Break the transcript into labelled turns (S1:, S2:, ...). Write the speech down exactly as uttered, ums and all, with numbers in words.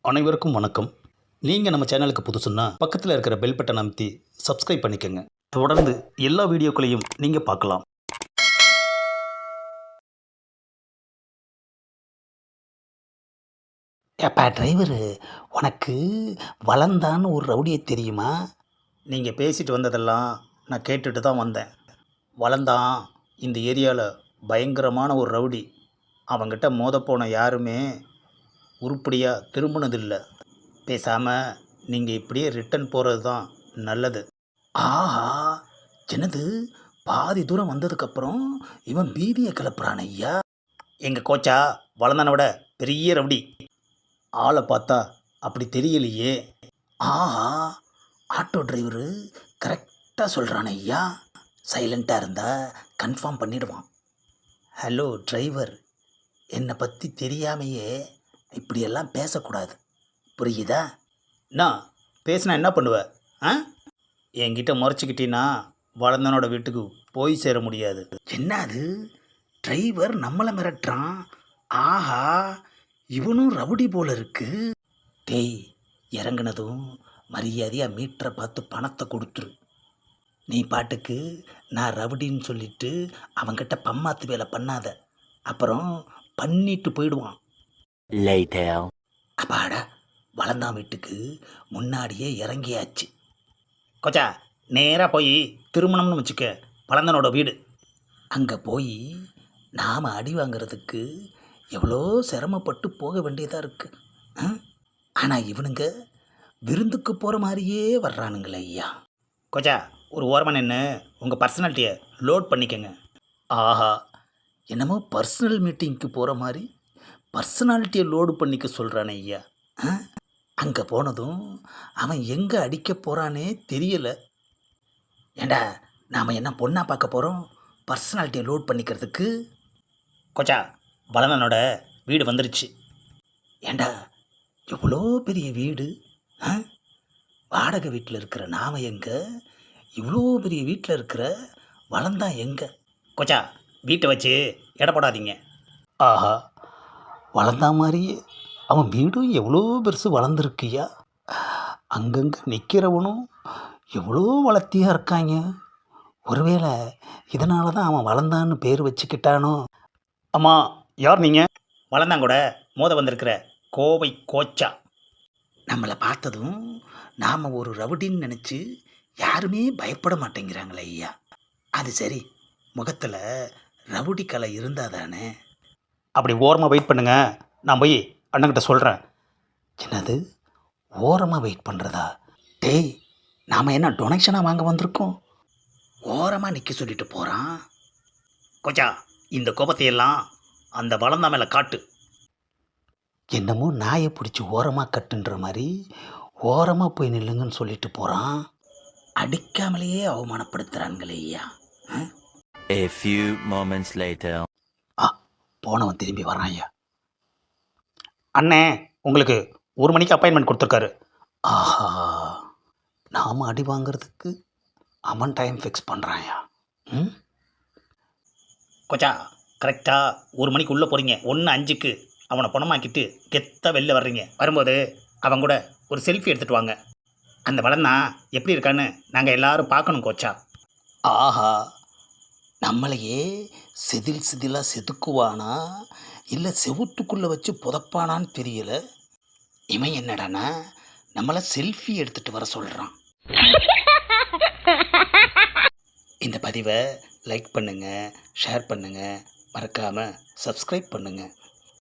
S1: அனைவருக்கும் வணக்கம். நீங்கள் நம்ம சேனலுக்கு புதுசுன்னா பக்கத்தில் இருக்கிற பெல் பட்டனை அமைத்தி சப்ஸ்கிரைப் பண்ணிக்கோங்க. தொடர்ந்து எல்லா வீடியோக்களையும் நீங்கள் பார்க்கலாம்.
S2: ஏப்பா டிரைவரு, உனக்கு வளந்தான்னு ஒரு ரவுடியை தெரியுமா?
S1: நீங்கள் பேசிட்டு வந்ததெல்லாம் நான் கேட்டுட்டு தான் வந்தேன். வளந்தான் இந்த ஏரியாவில் பயங்கரமான ஒரு ரவுடி. அவங்கிட்ட மோதப்போன யாருமே உருப்படியாக திரும்பினதில்லை. பேசாமல் நீங்கள் இப்படியே ரிட்டன் போகிறது தான் நல்லது.
S2: ஆஹா, என்னது பாதி தூரம் வந்ததுக்கப்புறம் இவன் பீதியை கிளப்புறான் ஐயா.
S1: எங்கள் கோச்சா வளர்ந்தனை விட பெரிய ரவுடி. ஆளை பார்த்தா அப்படி தெரியலையே.
S2: ஆஹா, ஆட்டோ டிரைவரு கரெக்டாக சொல்கிறான் ஐயா. சைலண்ட்டாக இருந்தால் கன்ஃபார்ம் பண்ணிடுவான். ஹலோ டிரைவர், என்னை பற்றி தெரியாமையே இப்படியெல்லாம் பேசக்கூடாது, புரியுதா?
S1: நான் பேசினா என்ன பண்ணுவேன்? ஆ என்கிட்ட முறைச்சிக்கிட்டீன்னா வளர்ந்தனோட வீட்டுக்கு போய் சேர முடியாது.
S2: என்ன அது, டிரைவர் நம்மளை மிரட்டுறான். ஆஹா, இவனும் ரவுடி போல இருக்கு. டேய், இறங்குனதும் மரியாதையாக மீட்டரை பார்த்து பணத்தை கொடுத்துரு. நீ பாட்டுக்கு நான் ரவுடின்னு சொல்லிட்டு அவன்கிட்ட பம்மாத்து வேலை பண்ணாத, அப்புறம் பண்ணிட்டு போயிடுவான். அப்பாடா, வளர்ந்தான் வீட்டுக்கு முன்னாடியே இறங்கியாச்சு.
S1: கோச்சா நேராக போய் திருமணம்னு வச்சுக்க, வளர்ந்தனோட வீடு.
S2: அங்கே போய் நாம் அடி வாங்கிறதுக்கு எவ்வளோ சிரமப்பட்டு போக வேண்டியதாக இருக்குது. ஆனால் இவனுங்க விருந்துக்கு போகிற மாதிரியே வர்றானுங்களே ஐயா.
S1: கோச்சா ஒரு ஓரமாக நின்று உங்கள் பர்சனாலிட்டியை லோட் பண்ணிக்கங்க.
S2: ஆஹா, என்னமோ பர்சனல் மீட்டிங்க்கு போகிற மாதிரி பர்சனாலிட்டியை லோடு பண்ணிக்க சொல்கிறானே ஐயா. அங்கே போனதும் அவன் எங்கே அடிக்க போகிறானே தெரியலை. ஏண்டா, நாம் என்ன பொண்ணாக பார்க்க போகிறோம் பர்சனாலிட்டியை லோட் பண்ணிக்கிறதுக்கு?
S1: கோச்சா வளர்ந்தனோட வீடு வந்துருச்சு.
S2: ஏண்டா, எவ்வளோ பெரிய வீடு! ஆ, வாடகை வீட்டில் இருக்கிற நாம் எங்கே, இவ்வளோ பெரிய வீட்டில் இருக்கிற வளர்ந்தான் எங்கே?
S1: கோச்சா வீட்டை வச்சு எடை போடாதீங்க.
S2: ஆஹா, வளர்ந்தா மாதிரியே அவன் வீடும் எவ்வளோ பெருசு வளர்ந்துருக்குயா. அங்கங்கே நிற்கிறவனும் எவ்வளோ வளர்த்தியாக இருக்காங்க. ஒருவேளை இதனால தான் அவன் வளர்ந்தான்னு பேர் வச்சுக்கிட்டானோ?
S1: அம்மா, யார் நீங்கள்? வளர்ந்தாங்கூட மோத வந்திருக்கிற கோவை கோச்சா.
S2: நம்மளை பார்த்ததும் நாம் ஒரு ரவுடின்னு நினச்சி யாருமே பயப்பட மாட்டேங்கிறாங்களே ஐயா. அது சரி, முகத்தில் ரவுடி கலை இருந்தால் தானே.
S1: அப்படி ஓரமாக வெயிட் பண்ணுங்க, நான் போய் அண்ணன்கிட்ட சொல்கிறேன்.
S2: என்னது, ஓரமாக வெயிட் பண்ணுறதா? டேய், நாம் என்ன டொனேஷனாக வாங்க வந்திருக்கோம்? ஓரமாக நிற்க சொல்லிட்டு போகிறான்.
S1: கோச்சா இந்த கோபத்தையெல்லாம் அந்த வளர்ந்தா மேலே காட்டு.
S2: என்னமோ நாயை பிடிச்சி ஓரமாக கட்டுன்ற மாதிரி ஓரமாக போய் நில்லுங்கன்னு சொல்லிட்டு போகிறான். அடிக்காமலேயே அவமானப்படுத்துகிறான்களே ஐயா.
S3: A few moments later.
S2: ஆ, போனவன் திரும்பி வரான் ஐயா.
S1: அண்ணே, உங்களுக்கு ஒரு மணிக்கு அப்பாயின்மெண்ட் கொடுத்துருக்காரு.
S2: ஆஹா, நாம் அடி வாங்கிறதுக்கு அவன் டைம் ஃபிக்ஸ் பண்ணுறான்யா. ம்
S1: கோச்சா கரெக்டாக ஒரு மணிக்கு உள்ளே போகிறீங்க. ஒன்று அஞ்சுக்கு அவனை பணமாக்கிட்டு கெத்தாக வெளில வர்றீங்க. வரும்போது அவன் கூட ஒரு செல்ஃபி எடுத்துகிட்டு வாங்க. அந்த வளர்ந்தா எப்படி இருக்கான்னு நாங்கள் எல்லாரும் பார்க்கணும் கோச்சா.
S2: ஆஹா, நம்மளையே செதில் செதிலாக செதுக்குவானா இல்லை செவுத்துக்குள்ளே வச்சு புதப்பானான்னு தெரியல. இவன் என்னடானா நம்மளை செல்ஃபி எடுத்துகிட்டு வர சொல்கிறான். இந்த பதிவை லைக் பண்ணுங்கள், ஷேர் பண்ணுங்கள், மறக்காமல் சப்ஸ்கிரைப் பண்ணுங்கள்.